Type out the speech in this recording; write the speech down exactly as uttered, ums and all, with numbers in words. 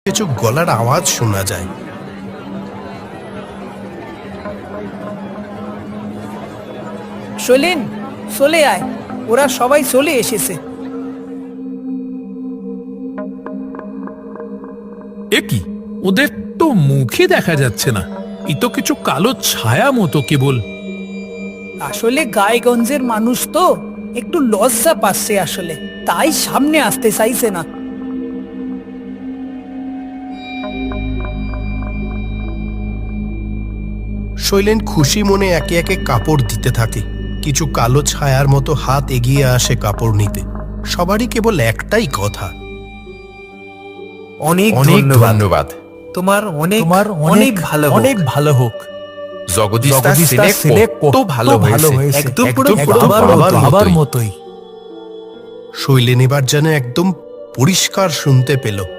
কিছু গলার আওয়াজ শোনা যায়। শৈলেন, চলে আয়, ওরা সবাই চলে এসেছে। এ কি, ওদের তো মুখে দেখা যাচ্ছে না, এ তো কিছু কালো ছায়া মতো কেবল। আসলে গায়েগঞ্জের মানুষ তো একটু লজ্জা পাচ্ছে আসলে, তাই সামনে আসতে চাইছে না। শৈলেন খুশি মনে একে একে কাপড় দিতে থাকে। কিছু কালো ছায়ার মতো হাত এগিয়ে আসে কাপড় নিতে। সবারই কেবল একটাই কথা, অনেক অনেক ধন্যবাদ। ধন্যবাদ। তোমার অনেক তোমার অনেক ভালো হোক। অনেক ভালো হোক। জগদীশদার জগদীশদার ছেলে ছেলে কত ভালো হয়েছে, একদম পুরো একদম পুরো বাবার বাবার মতো, বাবার মতোই। মতোই। শৈলেন এবার যেন একদম পরিষ্কার শুনতে পেল।